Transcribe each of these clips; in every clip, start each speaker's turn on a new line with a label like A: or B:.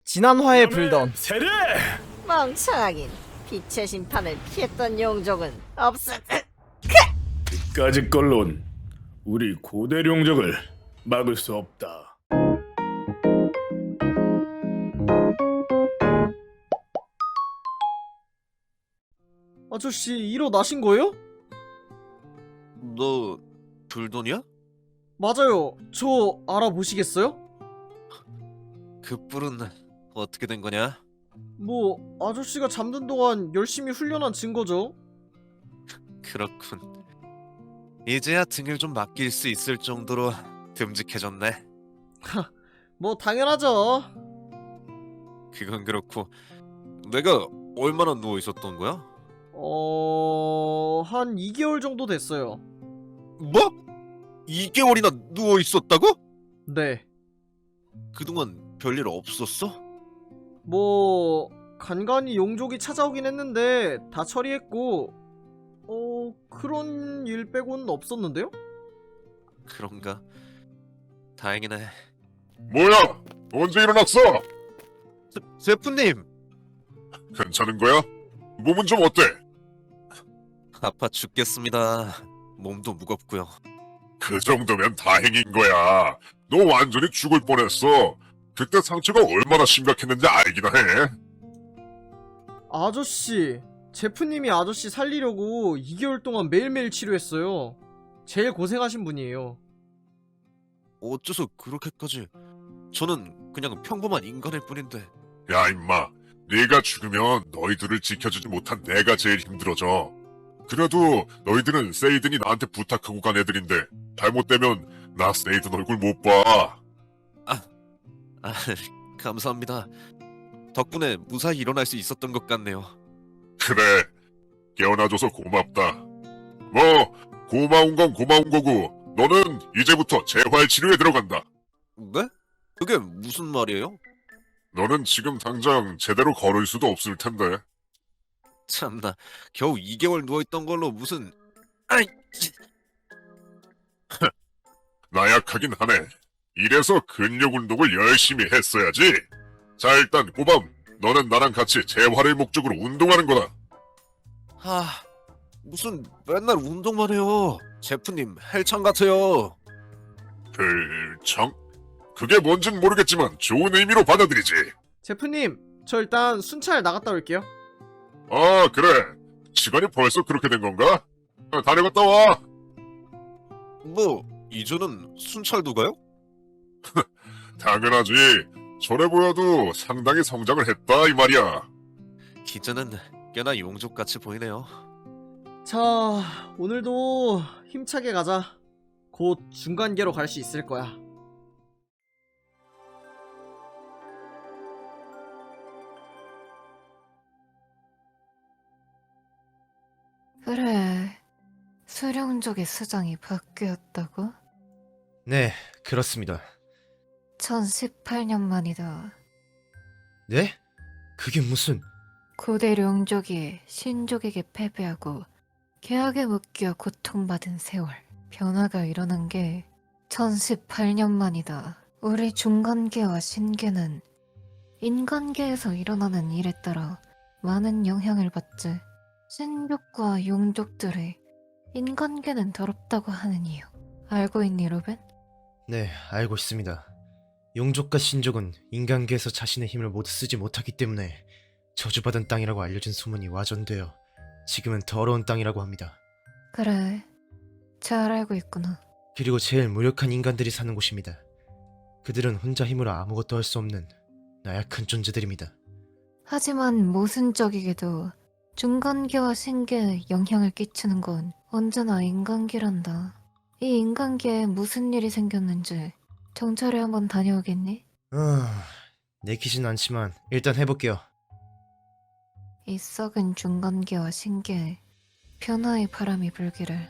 A: 지난 화에 불던
B: 세례!
C: 멍청하긴 빛의 심판을 피했던 용족은 없을.
B: 이까짓 걸론 우리 고대 용적을 막을 수 없다.
A: 아저씨 일어나신 거예요?
D: 너 불돈이야?
A: 맞아요. 저 알아보시겠어요?
D: 그 뿔은 어떻게 된 거냐?
A: 뭐 아저씨가 잠든 동안 열심히 훈련한 증거죠.
D: 그렇군. 이제야 등을 좀 맡길 수 있을 정도로 듬직해졌네.
A: 뭐 당연하죠.
D: 그건 그렇고 내가 얼마나 누워 있었던 거야?
A: 한 2개월 정도 됐어요.
D: 뭐? 2개월이나 누워 있었다고?
A: 네.
D: 그동안 별일 없었어?
A: 뭐 간간히 용족이 찾아오긴 했는데 다 처리했고 그런 일 빼고는 없었는데요?
D: 그런가? 다행이네.
E: 뭐야? 언제 일어났어?
D: 세프님!
E: 괜찮은 거야? 몸은 좀 어때?
D: 아파 죽겠습니다. 몸도 무겁고요.
E: 그 정도면 다행인 거야. 너 완전히 죽을 뻔했어. 그때 상처가 얼마나 심각했는지 알기나 해.
A: 아저씨, 제프님이 아저씨 살리려고 2개월 동안 매일매일 치료했어요. 제일 고생하신 분이에요.
D: 어째서 그렇게까지... 저는 그냥 평범한 인간일 뿐인데.
E: 야 임마, 네가 죽으면 너희들을 지켜주지 못한 내가 제일 힘들어져. 그래도 너희들은 세이든이 나한테 부탁하고 간 애들인데 잘못되면 나 세이든 얼굴 못 봐.
D: 아, 감사합니다. 덕분에 무사히 일어날 수 있었던 것 같네요.
E: 그래, 깨어나줘서 고맙다. 뭐 고마운 건 고마운 거고 너는 이제부터 재활치료에 들어간다.
D: 네? 그게 무슨 말이에요?
E: 너는 지금 당장 제대로 걸을 수도 없을 텐데.
D: 참나, 겨우 2개월 누워있던 걸로 무슨... 아이...
E: 나약하긴 하네. 이래서 근력 운동을 열심히 했어야지. 자, 일단 고밤, 너는 나랑 같이 재활을 목적으로 운동하는 거다.
D: 무슨 맨날 운동만 해요. 제프님 헬창 같아요.
E: 별청? 그게 뭔진 모르겠지만 좋은 의미로 받아들이지.
A: 제프님, 저 일단 순찰 나갔다 올게요.
E: 아, 그래. 시간이 벌써 그렇게 된 건가? 다녀갔다 와.
D: 뭐, 이제는 순찰도 가요?
E: 당연하지. 저래 보여도 상당히 성장을 했다 이 말이야.
D: 기자는 꽤나 용족같이 보이네요.
A: 자, 오늘도 힘차게 가자. 곧 중간계로 갈 수 있을 거야.
F: 그래, 수령족의 수장이 바뀌었다고?
G: 네, 그렇습니다.
F: 1018년 만이다.
G: 네? 그게 무슨...
F: 고대 룡족이 신족에게 패배하고 계약에 묶여 고통받은 세월. 변화가 일어난 게 1018년 만이다. 우리 중간계와 신계는 인간계에서 일어나는 일에 따라 많은 영향을 받지. 신족과 용족들이 인간계는 더럽다고 하는 이유. 알고 있니, 로벤?
G: 네, 알고 있습니다. 용족과 신족은 인간계에서 자신의 힘을 모두 쓰지 못하기 때문에 저주받은 땅이라고 알려진 소문이 와전되어 지금은 더러운 땅이라고 합니다.
F: 그래, 잘 알고 있구나.
G: 그리고 제일 무력한 인간들이 사는 곳입니다. 그들은 혼자 힘으로 아무것도 할 수 없는 나약한 존재들입니다.
F: 하지만 모순적이게도 중간계와 신계에 영향을 끼치는 건 언제나 인간계란다. 이 인간계에 무슨 일이 생겼는지 정찰에 한번 다녀오겠니?
G: 내키진 않지만 일단 해볼게요.
F: 이 썩은 중간계와 신계에 변화의 바람이 불기를.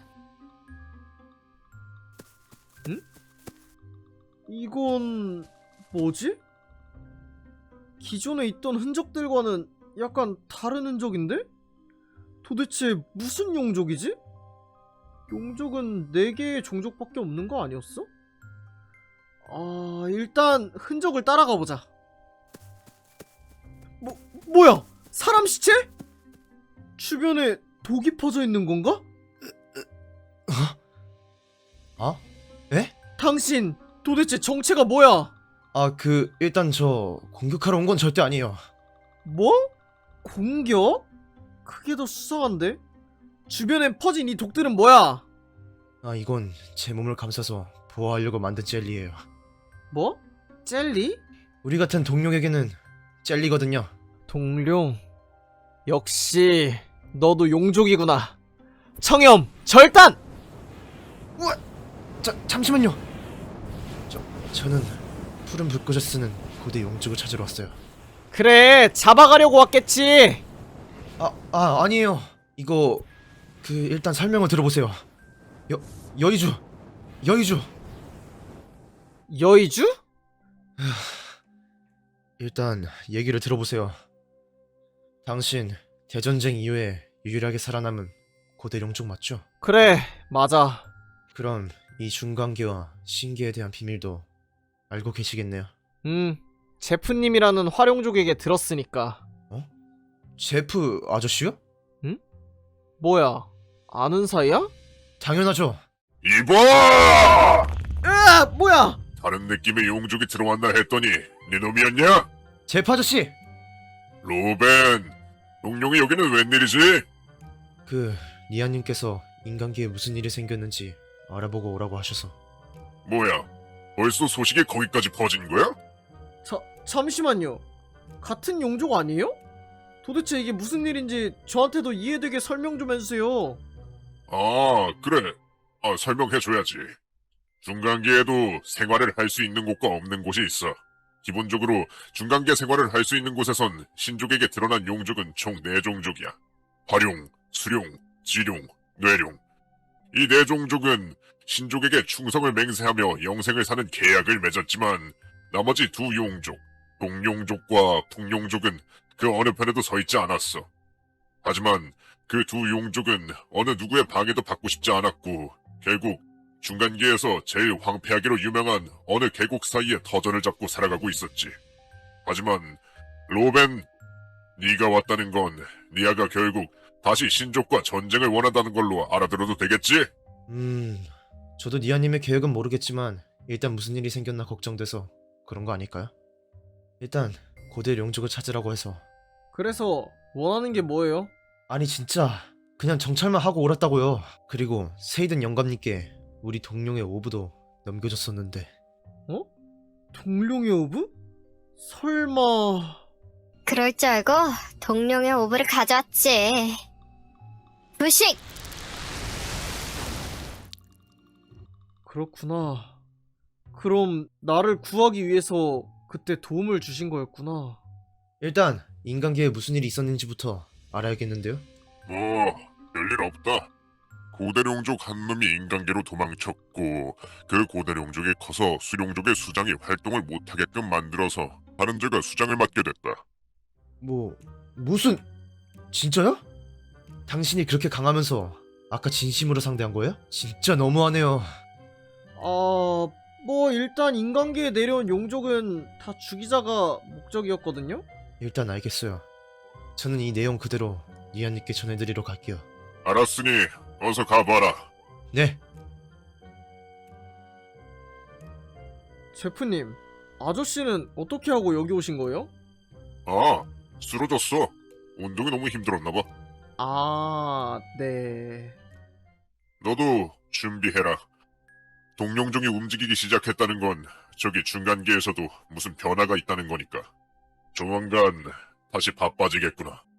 A: 이건 뭐지? 기존에 있던 흔적들과는 약간 다른 흔적인데? 도대체 무슨 용족이지? 용족은 4개의 종족밖에 없는 거 아니었어? 일단 흔적을 따라가 보자. 뭐야? 사람 시체? 주변에 독이 퍼져 있는 건가?
G: 아? 에?
A: 당신 도대체 정체가 뭐야?
G: 아, 일단 저 공격하러 온 건 절대 아니에요.
A: 뭐? 공격? 그게 더 수상한데? 주변에 퍼진 이 독들은 뭐야?
G: 아, 이건 제 몸을 감싸서 보호하려고 만든 젤리예요.
A: 뭐? 젤리?
G: 우리 같은 동룡에게는 젤리거든요.
A: 동룡. 역시 너도 용족이구나. 청염 절단!
G: 잠시만요. 저는 푸른 불꽃을 쓰는 고대 용족을 찾으러 왔어요.
A: 그래, 잡아가려고 왔겠지.
G: 아니에요. 이거 일단 설명을 들어보세요. 여의주.
A: 여의주?
G: 일단 얘기를 들어보세요. 당신 대전쟁 이후에 유일하게 살아남은 고대 용족 맞죠?
A: 그래, 맞아.
G: 그럼 이 중간계와 신계에 대한 비밀도 알고 계시겠네요.
A: 제프님이라는 화룡족에게 들었으니까.
G: 제프 아저씨요?
A: 뭐야, 아는 사이야?
G: 당연하죠.
E: 이봐!
A: 으아, 뭐야?
E: 다른 느낌의 용족이 들어왔나 했더니 네 놈이었냐?
G: 제프 아저씨!
E: 로벤, 용룡이 여기는 웬일이지?
G: 니아님께서 인간계에 무슨 일이 생겼는지 알아보고 오라고 하셔서.
E: 뭐야, 벌써 소식이 거기까지 퍼진 거야?
A: 잠시만요. 같은 용족 아니에요? 도대체 이게 무슨 일인지 저한테도 이해되게 설명 좀 해주세요.
E: 아, 그래. 설명해줘야지. 중간계에도 생활을 할 수 있는 곳과 없는 곳이 있어. 기본적으로 중간계 생활을 할 수 있는 곳에선 신족에게 드러난 용족은 총 4종족이야. 화룡, 수룡, 지룡, 뇌룡. 이 4종족은 신족에게 충성을 맹세하며 영생을 사는 계약을 맺었지만 나머지 2용족, 동용족과 풍용족은 그 어느 편에도 서 있지 않았어. 하지만 그 2용족은 어느 누구의 방해도 받고 싶지 않았고 결국 중간계에서 제일 황폐하기로 유명한 어느 계곡 사이에 터전을 잡고 살아가고 있었지. 하지만 로벤, 네가 왔다는 건 니아가 결국 다시 신족과 전쟁을 원한다는 걸로 알아들어도 되겠지?
G: 저도 니아님의 계획은 모르겠지만 일단 무슨 일이 생겼나 걱정돼서 그런 거 아닐까요? 일단 고대 용족을 찾으라고 해서.
A: 그래서 원하는 게 뭐예요?
G: 아니 진짜 그냥 정찰만 하고 오랐다고요. 그리고 세이든 영감님께 우리 동룡의 오브도 넘겨줬었는데.
A: 동룡의 오브? 설마...
H: 그럴 줄 알고 동룡의 오브를 가져왔지. 부식!
A: 그렇구나. 그럼 나를 구하기 위해서 그때 도움을 주신 거였구나.
G: 일단 인간계에 무슨 일이 있었는지부터 알아야겠는데요.
E: 별일 없다. 고대룡족 한 놈이 인간계로 도망쳤고 그 고대룡족이 커서 수룡족의 수장이 활동을 못하게끔 만들어서 다른 제가 수장을 맡게 됐다.
G: 무슨... 진짜요? 당신이 그렇게 강하면서 아까 진심으로 상대한 거예요? 진짜 너무하네요.
A: 뭐 일단 인간계에 내려온 용족은 다 죽이자가 목적이었거든요?
G: 일단 알겠어요. 저는 이 내용 그대로 니아님께 전해드리러 갈게요.
E: 알았으니 어서 가봐라.
G: 네.
A: 제프님, 아저씨는 어떻게 하고 여기 오신 거예요?
E: 쓰러졌어. 운동이 너무 힘들었나봐.
A: 네.
E: 너도 준비해라. 동룡종이 움직이기 시작했다는 건 저기 중간계에서도 무슨 변화가 있다는 거니까. 조만간 다시 바빠지겠구나.